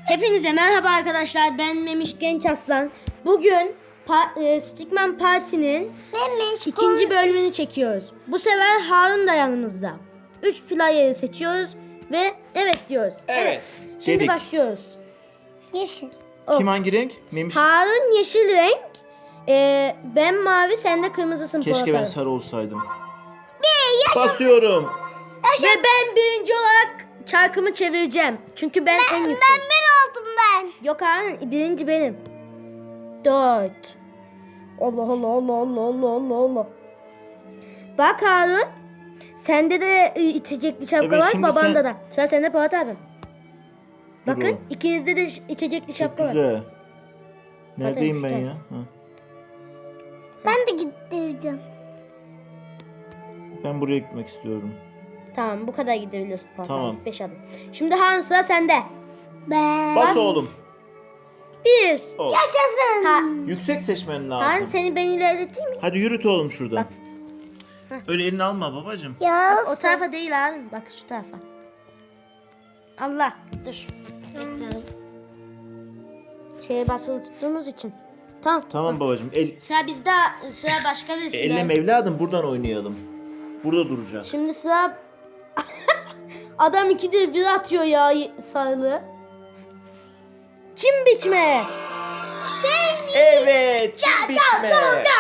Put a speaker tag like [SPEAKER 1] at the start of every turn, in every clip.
[SPEAKER 1] Hepinize merhaba arkadaşlar. Ben Memiş Genç Aslan. Bugün Stickman Party'nin ikinci bölümünü çekiyoruz. Bu sefer Harun da yanımızda. 3 player'ı seçiyoruz ve evet diyoruz.
[SPEAKER 2] Evet.
[SPEAKER 1] Şimdi
[SPEAKER 2] Dedik.
[SPEAKER 1] başlıyoruz.
[SPEAKER 3] Yeşil.
[SPEAKER 2] Kim hangi renk? Memiş.
[SPEAKER 1] Harun yeşil renk. Ben mavi, sen de kırmızısın.
[SPEAKER 2] Keşke
[SPEAKER 1] Polat
[SPEAKER 2] ben
[SPEAKER 1] abi.
[SPEAKER 2] sarı olsaydım. Basıyorum.
[SPEAKER 1] Ve ben birinci olarak çarkımı çevireceğim. Çünkü ben en yüksek.
[SPEAKER 3] Ben bir oldum ben.
[SPEAKER 1] Yok Harun, birinci benim. 4. Allah Allah Allah Allah Allah Allah Allah. Bak Harun. Sende de içecekli şapka
[SPEAKER 2] Evet,
[SPEAKER 1] var,
[SPEAKER 2] şimdi
[SPEAKER 1] babanda
[SPEAKER 2] sen-
[SPEAKER 1] da. Sıra sende Polat abi.
[SPEAKER 2] Dur
[SPEAKER 1] Bakın
[SPEAKER 2] oğlum.
[SPEAKER 1] ikinizde de içecekli
[SPEAKER 2] Çok
[SPEAKER 1] şapka var.
[SPEAKER 2] güzel. Neredeyim
[SPEAKER 1] Zaten
[SPEAKER 2] ben
[SPEAKER 1] şu
[SPEAKER 2] ya? Ha.
[SPEAKER 3] Ben de gittireceğim.
[SPEAKER 2] Ben buraya gitmek istiyorum.
[SPEAKER 1] Tamam, bu kadar gidebiliyorsun Polat
[SPEAKER 2] Tamam.
[SPEAKER 1] abi. 5 adım. Şimdi Harun, sıra sende.
[SPEAKER 3] Ben.
[SPEAKER 2] Bas oğlum.
[SPEAKER 1] 1.
[SPEAKER 2] Ol.
[SPEAKER 3] Yaşasın.
[SPEAKER 1] Ha,
[SPEAKER 2] Yüksek seçmen lazım.
[SPEAKER 1] Harun seni ben ilerleteyim mi?
[SPEAKER 2] Hadi yürüt oğlum şuradan.
[SPEAKER 1] Bak. Heh.
[SPEAKER 2] Öyle elini alma babacığım.
[SPEAKER 3] Ya.
[SPEAKER 1] O tarafa değil Harun. Bak şu tarafa. Allah. Dur. Bekle. Şeye basılı tuttuğumuz için. Tamam.
[SPEAKER 2] Tamam babacığım.
[SPEAKER 1] Sıra bizde, sıra başka birisinde.
[SPEAKER 2] Elleme evladım, buradan oynayalım. Burada duracağız.
[SPEAKER 1] Şimdi sıra adam 2'dir 1 atıyor ya sarılı. Çim biçme.
[SPEAKER 2] Evet. Çim biçme.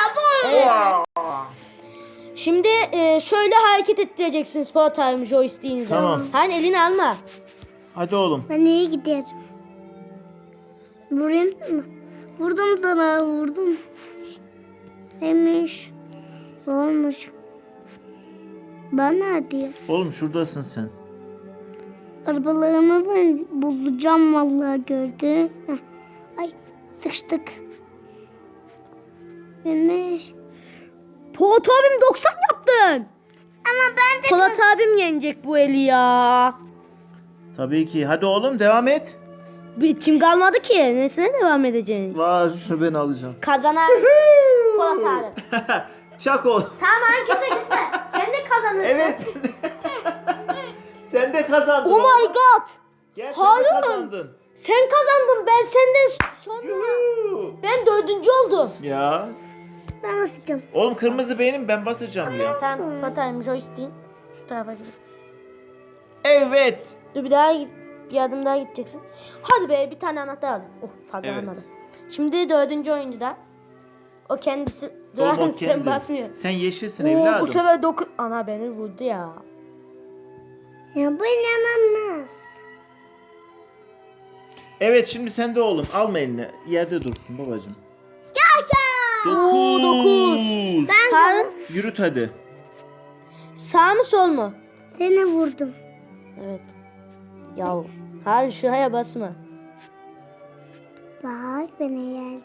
[SPEAKER 1] Şimdi şöyle hareket ettireceksin spor time joystick'inizi.
[SPEAKER 2] Tamam.
[SPEAKER 1] Hani elini alma.
[SPEAKER 2] Hadi oğlum.
[SPEAKER 3] Ben iyi giderim. Vurayım mı? Vurdum sana, vurdum. Neymiş? Olmuş. Bana hadi.
[SPEAKER 2] Oğlum şuradasın sen.
[SPEAKER 3] Arabalarımı ben bulacağım vallahi, gördün. Heh. Ay, sıkıştık. Neymiş?
[SPEAKER 1] Polat abim 90 yaptın.
[SPEAKER 3] Ama ben de
[SPEAKER 1] Polat abim yenecek bu eli ya.
[SPEAKER 2] Tabii ki. Hadi oğlum devam et.
[SPEAKER 1] Bir çim kalmadı ki. Nesine devam edeceğiz?
[SPEAKER 2] Var, şu ben alacağım.
[SPEAKER 1] Kazanan Polat abi.
[SPEAKER 2] Çak oğlum.
[SPEAKER 1] Tamam gitme gitme. Sen de kazanırsın.
[SPEAKER 2] Evet. Sen de kazandın.
[SPEAKER 1] Oh my
[SPEAKER 2] oğlum.
[SPEAKER 1] god.
[SPEAKER 2] Gel sen de
[SPEAKER 1] Harun.
[SPEAKER 2] kazandın.
[SPEAKER 1] Sen kazandın. Ben senden sonra.
[SPEAKER 2] Yuhuu.
[SPEAKER 1] Ben 4. oldum.
[SPEAKER 2] Ya.
[SPEAKER 3] ben basacağım.
[SPEAKER 2] Oğlum kırmızı benim, ben basacağım ya.
[SPEAKER 1] Tamam patayım joystick'in. Şu tarafa gidip.
[SPEAKER 2] Evet.
[SPEAKER 1] Dur bir adım daha gideceksin. Hadi be, bir tane anahtar aldım. Oh, fazla
[SPEAKER 2] Evet.
[SPEAKER 1] almadım. Şimdi 4. oyuncuda. O kendisi.
[SPEAKER 2] Oğlum o
[SPEAKER 1] Sen
[SPEAKER 2] kendi.
[SPEAKER 1] basmıyor.
[SPEAKER 2] Sen yeşilsin
[SPEAKER 1] Oo,
[SPEAKER 2] evladım.
[SPEAKER 1] bu sefer ana beni vurdu ya.
[SPEAKER 3] Ya bu inanılmaz.
[SPEAKER 2] Evet, şimdi sen de oğlum. Alma elini. Yerde dursun babacığım.
[SPEAKER 3] Yaşa.
[SPEAKER 1] Oo, 9. Harun,
[SPEAKER 2] Yürüt hadi.
[SPEAKER 1] sağ mı sol mu?
[SPEAKER 3] Seni vurdum.
[SPEAKER 1] Evet. Yahu. Harun şuraya basma.
[SPEAKER 3] Bak beni geldi.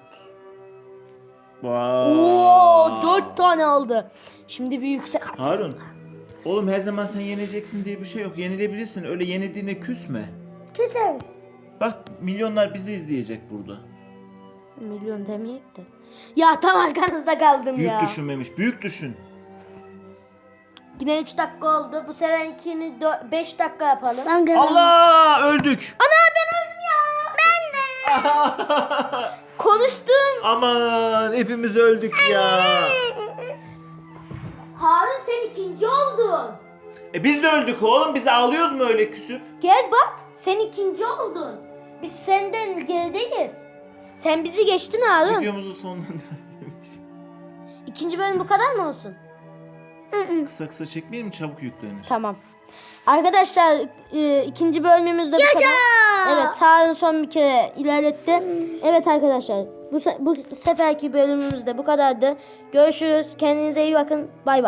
[SPEAKER 2] Vay.
[SPEAKER 1] Oo, 4 tane aldı. Şimdi bir yüksek atıyor.
[SPEAKER 2] Harun. Oğlum her zaman sen yeneceksin diye bir şey yok. Yenilebilirsin. Öyle yenildiğinde küsme.
[SPEAKER 3] Kötü.
[SPEAKER 2] Bak, milyonlar bizi izleyecek burada.
[SPEAKER 1] Milyon demeyek de. Ya tam arkanızda kaldım
[SPEAKER 2] Büyük
[SPEAKER 1] ya.
[SPEAKER 2] düşünmemiş. Büyük düşün.
[SPEAKER 1] Yine 3 dakika oldu. Bu sefer 5 dakika yapalım.
[SPEAKER 3] Ben kazandım.
[SPEAKER 2] Allah, öldük.
[SPEAKER 1] Ana ben öldüm ya. Ben de. Konuştum.
[SPEAKER 2] Aman, hepimiz öldük ya.
[SPEAKER 1] Harun sen 2. oldun.
[SPEAKER 2] Biz de öldük oğlum. Biz ağlıyoruz mu öyle küsüp?
[SPEAKER 1] Gel bak, sen 2. oldun. Biz senden gerideyiz. Sen bizi geçtin Harun.
[SPEAKER 2] Videomuzu sonlandırmış.
[SPEAKER 1] 2. bölüm bu kadar mı olsun?
[SPEAKER 2] Kısa kısa çekmeyelim, çabuk yüklenir.
[SPEAKER 1] Tamam. Arkadaşlar 2. bölümümüz de bu kadar. Evet, Harun son bir kere ilerletti. Evet arkadaşlar, bu seferki bölümümüz de bu kadardı. Görüşürüz. Kendinize iyi bakın. Bay bay.